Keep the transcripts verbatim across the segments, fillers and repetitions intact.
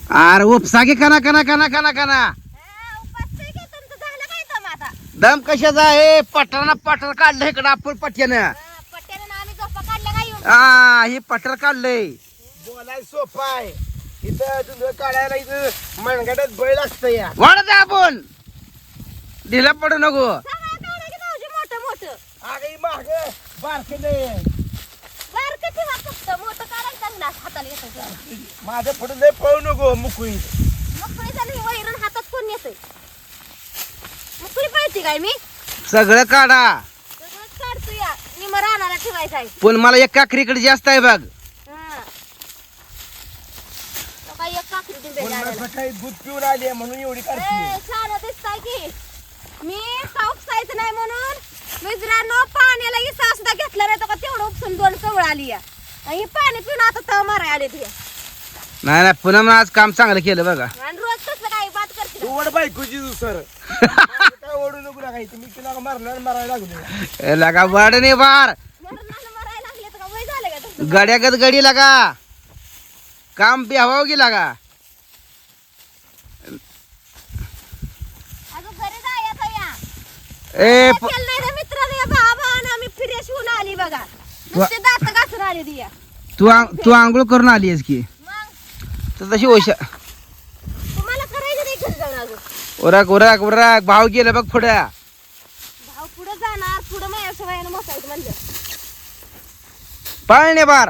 अरे उपसा की कना कना कना कना कना दम कशाचा आहे पटराना पटर काढलं इकडं आपण पट्यानं हा हे पटर काढलंय बोलाय सोपा आहे इथं तुझं काढायला इथं मनगटात बैल असतं या वाढत आपण ढिला पडू नको आगे माग बारके नाही माझं पुढे लय पळू नको मुकुळी हातात कोण येतंय मुकळी पळती काय मी सगळं काढा सगळंच काढतो या निम रानाला ठेवायचं आहे पण मला एक काकरीकडे जास्त आहे बघ हा. तो काय एक काकडी दिली झाडाला. सकाळी दूध पिऊन आली म्हणून एवढी काढते ए, छान दिसताय की मी उपसायचं नाही म्हणून मित्रांनो पाण्याला इसा सुद्धा घेतला नाही तो का तेवढं उपसून दोन कवळ आली या आणि पाणी पिऊन आता तव माराय आले ते नाही नाही पुन्हा आज काम चांगलं केलं बघा आणि रोज कसं काय बात करते तू ओढ बायकोची दुसर काय ओढू नको लागायचं मी तुला मारणार मारायला लागलो ए, लगा वाढ नाही बार मरणाला मरायला लागले तर का वय झालं का तुमचं गड्यागत गडी लागा काम बिहावा गेला का अजून घरी जायचं या ए प- केलं नाही रे मित्राने बाबा आणि आम्ही फ्रेश होऊन आली बघा नुसते दात घासून आली दिया तू आंग- तू आंघोळ करून आली आहेस की मग तर तशी ओशा तुम्हाला करायचं नाही घरी जाऊन अजून उरक उरक उरक भाव गेलं बघ पुढे भाऊ पुढे जाणार पुढे माझ्या सवयानं मोसायचं म्हणलं पाळणे बार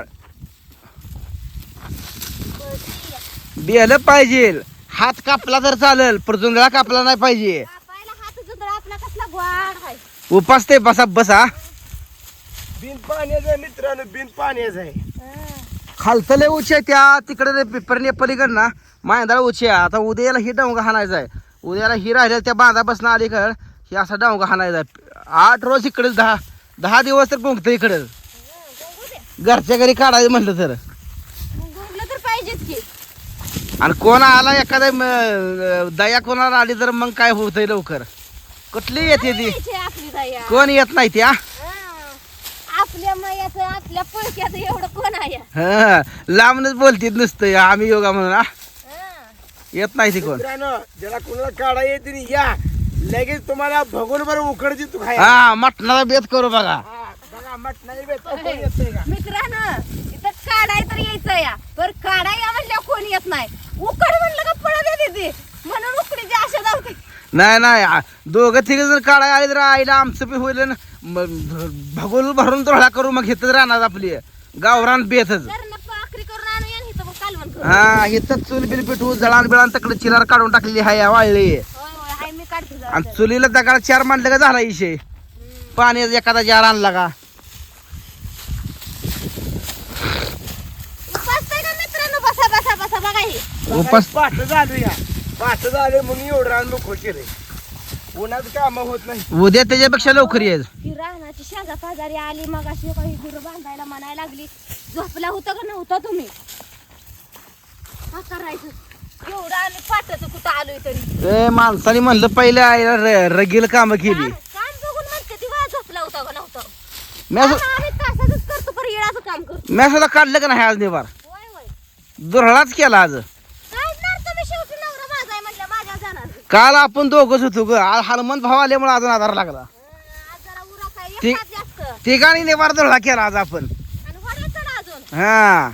बेलं पाहिजे हात कापला तर चालेल पण जुंधळा कापला नाही पाहिजे कापायला हात जुंधळा आपला कसला ग्वाड आहे उपास ते बसा बसा बिन पाण्याचं आहे मित्रांनो बिन पाण्याचं आहे हं. खालचं लय उचे त्या तिकडे पेपरने पलीकड ना मांदाळ उचे आता उद्याला ही डावगा हाणायचा आहे उद्याला ही राहिलेलं त्या बांधा बसणं अलीकड ही असा डावगा हाणायचा आहे आठ रोज इकडे दहा दहा दिवस तर पोंगतं इकडं हं, बघू दे. घरच्या घरी काढायचं म्हटलं तर मग गुंगलं तर पाहिजेच की आणि कोण आला एखादा म- दया कोणाला आली तर मग काय होतंय लवकर कुठली येते ती यायची आपली दया कोण येत नाही त्या हं. आपल्या मायाचं आपल्या पळक्याचं एवढं कोण आहे हं, लांबनच बोलतीत नुसतं आम्ही योगा म्हणून आ? हं. येत नाही ती कोण मित्रांनो ज्याला कोणाला काढा येते नाही, या लगेच तुम्हाला भगवून बरं उकडची तू खाय हा मटणाचा बेत करू बघा बघा मटणाची बेत कोण येतंय का मित्रांनो इथं काढाय तर यायचं या पर काढाय या म्हणल्या कोणी येत नाही उकड म्हणलं का पळत येते ती म्हणून उकडीची आशा धावते नाही नाही आ, दोघं तिघ जण काढायला आले तर आईला आमचं बी होईल भगोल भरून तोळा करू मग घेतच राहणार आपली गावरान बेतच घरनं पाखरी करून आणू या आणि इथं मग कालवण करू हा इथं चूल बिल पिठू जळान बिळान तकडे चिलार काढून टाकलेली हाय वाळली होय होय हाय मी काढते जरा. आणि चुलीला दगड चार मांडलं का झाला इशे पाण्याचा एखादा जार आणला का बसताय का मित्रांनो बसा बसा बसा बघा हे उपास पाठ झालं या पाठ झाले म्हणून एवढं रान मोकळ केलंय उन्हाचं काम होत नाही उद्या त्याच्यापेक्षा लवकर ये ही रानाची शेजा पाजारी आली मग अशी काही गुरं बांधायला म्हणायला लागली झोपला होता का नव्हता तुम्ही का करायचं एवढं आम्ही पाठवतो कुठं आलोय तरी ए माणसाने म्हणलं पहिलं आईला र- रगील काम केली काम काम बघून म्हणते ती वा झोपला होता का नव्हता मी आता आम्ही तासाच करतो पर येळाचं काम करतो मी सुद्धा काढलं का नाही आज निवार होय होय दुरळाच केला आज काढणार तुम्ही शेवटी नवरा माझा आहे म्हणलं माझ्या जाणार काल आपण दोघच होतो ग आज हनुमंत भाव आल्यामुळे अजून आधार लागला आज जरा उरा काय ती- एकटाच जास्त तिघाणी निवार दुरळा केला आज आपण आणि वडायचं ना अजून हा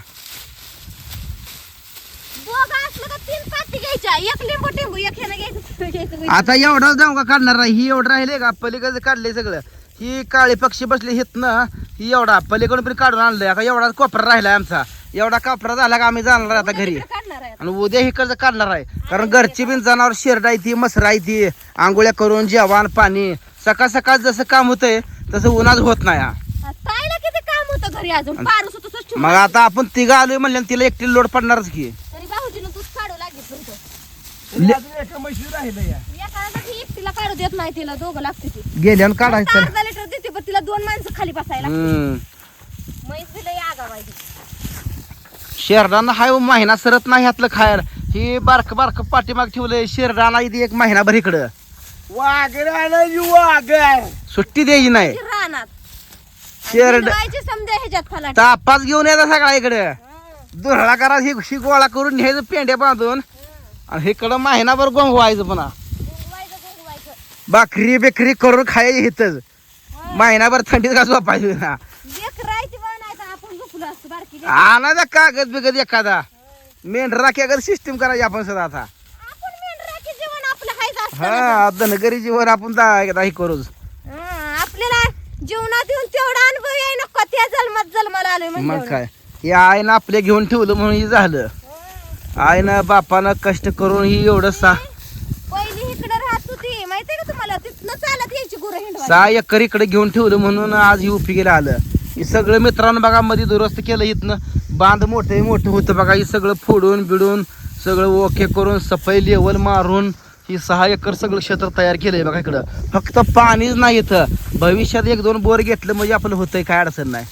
दोघं असलं का तीन पाती घ्यायच्या एक लिंबू टिंबू एक ह्यानं घ्यायचं घ्यायचं आता एवढाच जाऊ का काढणार नाही ही एवढं राहिले का पलीकडे काढले सगळं ही काळी पक्षी बसले हित ना ही एवढा पलीकडून पण काढून आणलंय आता एवढा कोपरा राहिलाय आमचा एवढा कापरा झाला का आम्ही जाणार आता घरी काढणार आहे आणि उद्या इकडचं काढणार आहे कारण घरची बिन जनावर शेरडा ती मसरा ती आंघोळ्या करून जेवण पाणी सकाळ सकाळ जसं काम होतंय तसं उन्हाच होत नाही हा. ताईला किती काम होतं घरी अजून पारूस होतं तसंच ठेवून. मग आता आपण तिघं आलोय म्हणलं तिला एकटी लोड पडणारच की तरी भाऊजीनं तूच काढू लागेल तुमचं तरी अजून एका म्हशी राहिलं या एका जागी एकटीला काढू देत नाही तिला दोघं लागते ती गेल्यानं काढायचं अर्धा लिटर देते पण तिला दोन माणसं खाली बसायला हम्म म्हैस दिलं आगा माहिती शेरडांना हाय महिना सरत नाही ह्यातलं खायला ही बारक बारक पाठीमाग ठेवलंय शेरडाला इथे एक महिनाभर इकडं वाघ राहिलं वाघ सुट्टी द्यायची नाही रानात शेरड हिंडवायची समजा ह्याच्यात फलाट तापाच घेऊन येतात सगळा इकडं दुरळा करा ही शी गोळा करून न्यायचं पेंड्या बांधून आणि इकडं महिनाभर गोंगवायचं पुन्हा गुंगवायचं गुंगवायचं भाकरी बेकरी करून खायची इथंच महिनाभर थंडीत का झोपायचं ना लेकरायची बनायचं आपण झोपलो असतो बारकी लेकरं. आणायचा कागद बिगद एखादा मेंढरा कागद सिस्टीम करायची आपण सध्या आता आपण मेंढराची जीवन आपलं खायचं असतं ना. हा धनगरी जीवन आपण दा- एकदा हे करूच हा, आपल्याला जीवनात येऊन तेवढा अनुभव याय नको त्या जन्मात जन्माला आलोय मग म्हणजे काय हे आईनं आपले घेऊन ठेवलं म्हणून हे झालं आईनं बापानं कष्ट करून ही एवढं सा पहिली इकडे राहत होती माहितीये का तुम्हाला तिथनं चालत यायची गुरं हिंडवायला. सहा एकर इकडे घेऊन ठेवलं म्हणून आज ही उपयोगीला आलं हे सगळं मित्रांनो बघा मध्ये दुरुस्त केलं इथनं बांध मोठं मोठं होतं बघा हे सगळं फोडून बिडून सगळं ओके करून सफाई लेवल मारून ही सहा एकर सगळं क्षेत्र तयार केलंय बघा इकडं फक्त पाणीच नाही इथं भविष्यात एक दोन बोर घेतलं म्हणजे आपलं होतंय काय अडचण नाही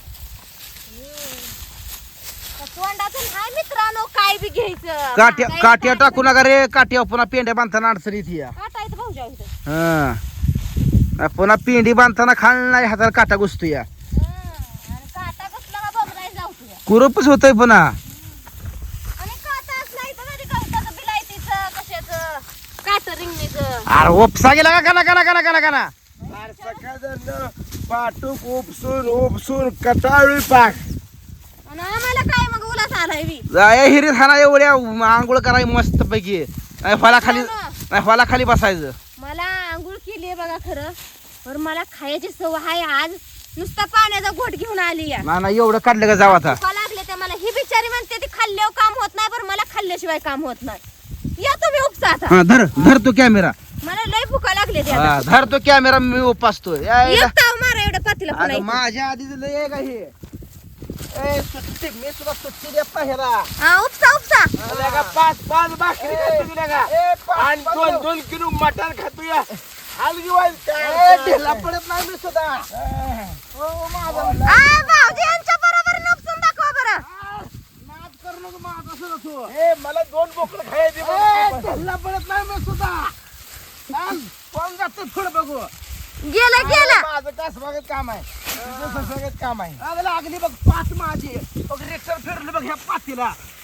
तोंडातून हाय मित्रांनो काय बी घ्यायचं काट्या काय काट्या काय टाकू नका रे काट्या पुन्हा पेंड्या बांधताना अडचण येते या काटायचं भाऊजा इथं. हा पुन्हा पेंडी बांधताना खाल नाही हाताला काटा घुसतो या हं, आणि काटा कसला का बघायला जाऊ तुझ्या कुरपच होतंय पुन्हा आणि काटा असला इथं कधी गवताचं बिलायतीचं कशाचं काट रिंगणीचं अरे उपसा गेला का काना काना काना काना काना अरे सकाळचं पाटूक उपसून उपसून कटाळी पाक आणि आम्हाला काय मग उलास आलाय बी जाय हिरीत हाना एवढ्या आंघोळ कराय मस्त पैकी नाही फला खाली नाही फला खाली बसायचं मला आंघोळ केली बघा खरं पण मला खायची सवय आहे आज नुसता पाण्याचा घोट घेऊन आली या ना ना एवढं काढलं का जाव आता भुका लागले ते मला ही बिचारी म्हणते ती खाल्ल्यावर काम होत नाही पण मला खाल्ल्याशिवाय काम होत नाही या तुम्ही उपसा आता हा धर धर तो कॅमेरा मला लय भुका लागले ते हा धर तो कॅमेरा मी उपासतो यायला. एक ताव मारा एवढं पातीला पुन्हा अगं इथं. माझ्या आधी लय आहे का हे ए, सुट्टी मी तुला सुट्टी देत नाही ह्याला. हा उपसा उपसा तुला का पाच पाच भाकरी खातो तुला का ए, पाच- आणि पाच दोन जाऊ. दोन किलो मटण खातो या हलगी वाईल ए, ढिला पडत नाही मी सुद्धा ओ, माझा आ, भाऊजी यांच्या बरोबर नपसून दाखवा बरं नाद करू नको माझा सुद्धा तू. ए मला दोन बोकडं खायची ए, ढिला पडत नाही मी सुद्धा चाल, कोण जातं थोडं बघू गेलं गेलं माझं कासबागत काम आहे तुझं ससागत काम आहे अगं लागली बघ पाच माझी बघ रेक्टर फिरलं बघ ह्या पातीला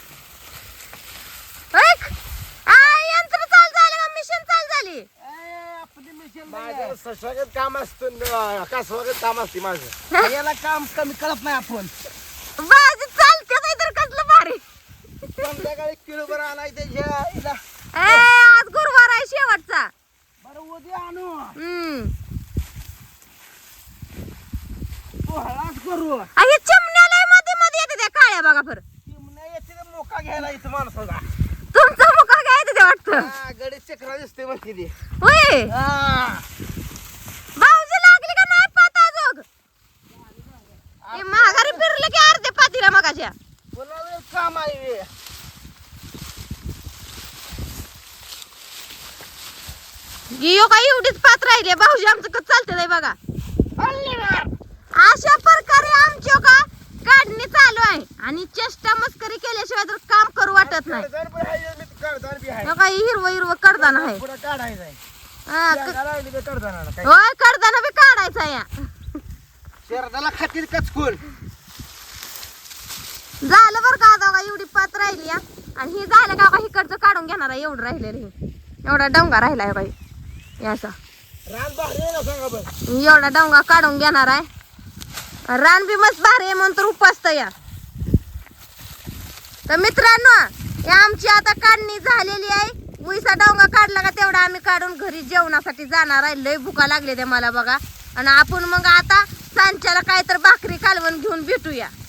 ऐक आ यंत्र चाल झालं का मिशन चाल झाली ए, आपली मिशन माझं ससागत काम असतं कासबागत काम असते माझं याला काम कमी कळत नाही आपण बाजी चालते नाही तर कसलं भारी संध्याकाळी किलोभर आणाय त्याच्या हिला. ए आज गुरुवार आहे शेवटचा बरं उद्या आणू हम्म तू हळाच करू हे चिमण्याला मध्ये मध्ये येते त्या काळ्या बघा बरं चिमण्या येते ते मोका घ्यायला इथं माणसाला तुमचं मुका काय येते ते वाटतं हा, गडी चक्रा दिसते म्हणते ती होय हा. भाऊजी लागली का नाही पाता जोग हे माघारी फिरलं की अर्धे पातीला मगाच्या पुन्हा वेळ काम आहे हे. गियो काय एवढीच पात राहिली भाऊजी आमचं कसं चालतं नाही बघा अशा प्रकारे आमची हो का काढणी चालू आहे आणि चेष्टा मस्करी केल्याशिवाय तर काम करू वाटत नाही कडधान पण आहे, मी कडधान बी आहे हो का हिरवं हिरवं कडदान आहे पुढं काढायचं आहे हा, क- शेंगा लावली का कडधानाला काय होय कडदाना बी काढायचा या शरदाला खातील कचकून झालं बरं का आता का एवढी पात राहिली या आणि ही झालं का का इकडचं काढून घेणार आहे एवढं राहिलेलं हे एवढा डोंगा राहिलाय बाई याचा रान भारी आहे ना सांगा बरं एवढा डोंगा काढून घेणार आहे रान बी मस्त भारी आहे म्हणून तर उपासत या तर मित्रांनो ही आमची आता काढणी झालेली आहे उईसा डोंगा काढला का तेवढा आम्ही काढून घरी जेवणासाठी जाणार आहे लय भुका लागले ते मला बघा आणि आपण मग आता सांच्याला काय तर भाकरी कालवण घेऊन भेटूया